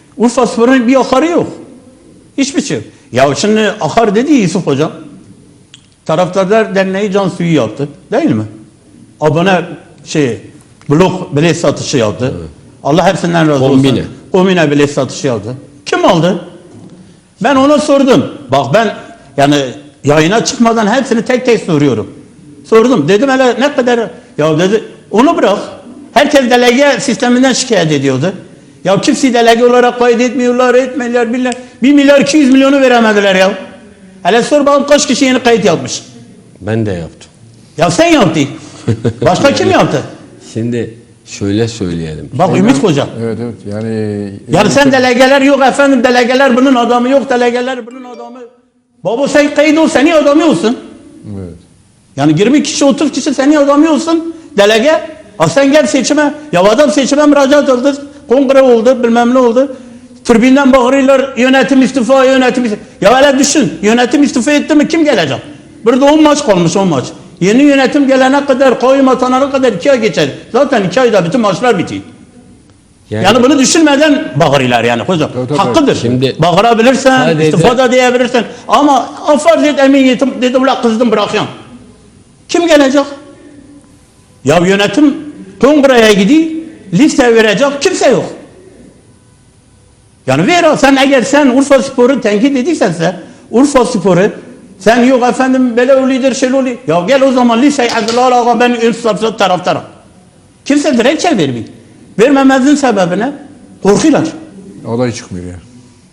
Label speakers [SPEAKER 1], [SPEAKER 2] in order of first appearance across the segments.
[SPEAKER 1] Urfaspor'un bir akarı yok. Hiçbir şey yok. Ya şimdi akar dedi Yusuf Hocam. Taraftarlar Derneği can suyu yaptı. Değil mi? Abone blok bilet satışı yaptı. Evet. Allah hepsinden razı olsun. Kombine bilet satışı yaptı. Kim aldı? Ben ona sordum. Bak ben yani yayına çıkmadan hepsini tek tek soruyorum. Sordum. Dedim hele ne kadar? Ya dedi onu bırak. Herkes delege sisteminden şikayet ediyordu. Ya kimse delege olarak kaydetmiyorlar, etmiyorlar, bilirler. 1 milyar 200 milyonu veremediler ya. Hele sor bakalım kaç kişi yeni kayıt yapmış.
[SPEAKER 2] Ben de yaptım.
[SPEAKER 1] Ya sen yaptın. Başka kim yaptı?
[SPEAKER 2] Şimdi şöyle söyleyelim.
[SPEAKER 1] Bak Ümit Hoca.
[SPEAKER 3] Evet yani.
[SPEAKER 1] Yani sen delegeler yok efendim, delegeler bunun adamı yok, delegeler bunun adamı. Baba sen kayıt ol, senin adamı olsun.
[SPEAKER 3] Evet.
[SPEAKER 1] Yani 20 kişi 30 kişi senin adamı olsun delege. Sen gel seçime. Ya adam seçime müracaat oldu. Kongre oldu bilmem ne oldu. Tribünden bağırıyorlar yönetim istifa yönetim istifa. Ya öyle düşün yönetim istifa etti mi kim gelecek? Burada 10 maç kalmış 10 maç. Yeni yönetim gelene kadar kayyum atanana kadar 2 ay geçer. Zaten 2 ayda bütün maçlar bitiyor. Yani bunu düşünmeden bağırıyorlar yani hocam.
[SPEAKER 3] Tabii.
[SPEAKER 1] Hakkıdır.
[SPEAKER 2] Şimdi
[SPEAKER 1] bağırabilirsen, istifa da diyebilirsin. Ama farz et emin yetim dedi ulan kızdım bırakıyorum. Kim gelecek? Ya yönetim kongreye gidiyor, liste verecek kimse yok. Yani sen eğer sen Urfaspor'u tenkit ediysen Urfaspor'u sen yok efendim böyle oluyor şöyle oluyor. Ya gel o zaman listeyi hazırla ben ön safsat taraftarım. Kimse dilekçe vermiyor. Vermemezin sebebi ne? Korkuyorlar.
[SPEAKER 3] Olay çıkmıyor ya.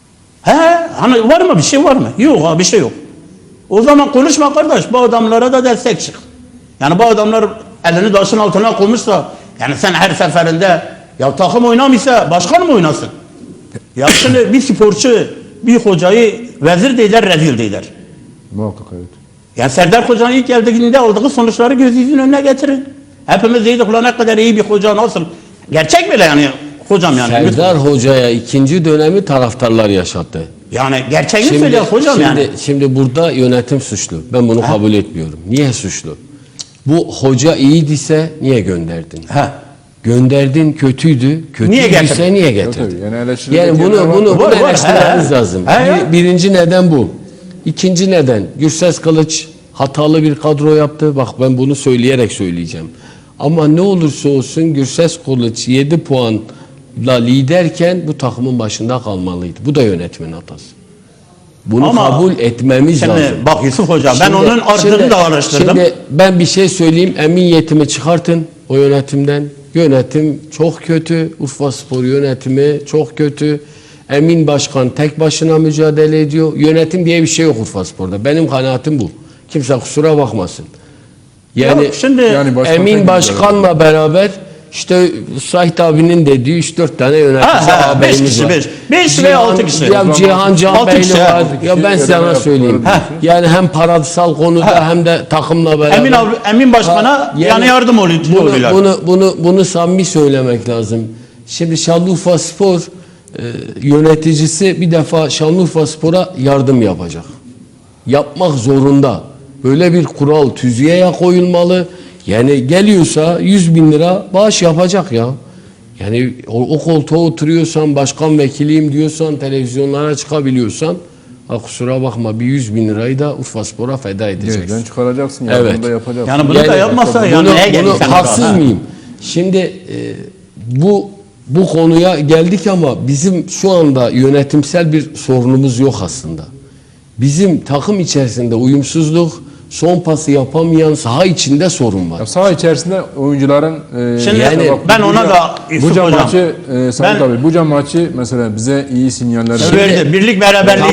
[SPEAKER 1] Hani var mı bir şey var mı? Yok bir şey yok. O zaman konuşma kardeş bu adamlara da destek çık. Yani bu adamlar elini taşın altına koymuşsa yani sen her seferinde ya takım oynamıyorsa başkan mı oynasın? Ya şimdi bir sporcu bir hocayı vezir değiller rezil değiller.
[SPEAKER 3] Muhakkak evet.
[SPEAKER 1] Yani Serdar Hoca'nın ilk geldiğinde aldığı sonuçları gözünüzün önüne getirin. Hepimiz dedik ulan ne kadar iyi bir hoca nasıl? Gerçek bile yani hocam yani.
[SPEAKER 2] Serdar Hoca'ya ikinci dönemi taraftarlar yaşattı.
[SPEAKER 1] Yani gerçeğini söylüyor hocam yani.
[SPEAKER 2] Şimdi burada yönetim suçlu. Ben bunu kabul etmiyorum. Niye suçlu? Bu hoca iyiyse niye gönderdin? Gönderdin kötüydü. Kötüydüyse niye getirdin? Yani bunu eleştirmeniz lazım. Birinci neden bu. İkinci neden Gürses Kılıç hatalı bir kadro yaptı. Bak ben bunu söyleyerek söyleyeceğim. Ama ne olursa olsun Gürses Kılıç 7 puanla liderken bu takımın başında kalmalıydı. Bu da yönetimin hatası. Bunu kabul etmemiz lazım.
[SPEAKER 1] Bak Yusuf Hocam ben onun ardını da araştırdım.
[SPEAKER 2] Şimdi ben bir şey söyleyeyim. Emin Yetim'i çıkartın o yönetimden. Yönetim çok kötü. Urfaspor yönetimi çok kötü. Emin Başkan tek başına mücadele ediyor. Yönetim diye bir şey yok Urfaspor'da. Benim kanaatim bu. Kimse kusura bakmasın. Yani Emin Başkan'la beraber işte Sait abinin dediği 3-4 tane yönetici ağabeyimiz var.
[SPEAKER 1] 5 veya 6 kişi.
[SPEAKER 2] Ya Cihan Canbeyli var. Ya ben sana söyleyeyim. Yani hem parasal konuda hem de takımla beraber.
[SPEAKER 1] Emin Başkan'a yani yardım oluyorlar.
[SPEAKER 2] Bunu samimi söylemek lazım. Şimdi Şanlıurfaspor yöneticisi bir defa Şanlıurfaspor'a yardım yapacak. Yapmak zorunda. Böyle bir kural tüzüğe koyulmalı. Yani geliyorsa 100.000 lira bağış yapacak ya. Yani o koltuğa oturuyorsan, başkan vekiliyim diyorsan, televizyonlara çıkabiliyorsan kusura bakma bir 100.000 lirayı da Urfaspor'a feda edeceksin.
[SPEAKER 3] Geriden çıkaracaksın ya.
[SPEAKER 2] Evet.
[SPEAKER 3] Bunu da yapacaksın.
[SPEAKER 1] Yani bunu da yapmasa yani neye gelirsen.
[SPEAKER 2] Haksız mıyım? Şimdi bu konuya geldik ama bizim şu anda yönetimsel bir sorunumuz yok aslında. Bizim takım içerisinde uyumsuzluk, son pası yapamayan saha içinde sorun var.
[SPEAKER 3] Ya saha içerisinde oyuncuların
[SPEAKER 1] şimdi yani ben ona da
[SPEAKER 3] Buca maçı Sayın abi Buca maçı mesela bize iyi sinyaller
[SPEAKER 1] verdi. Birlik beraberliği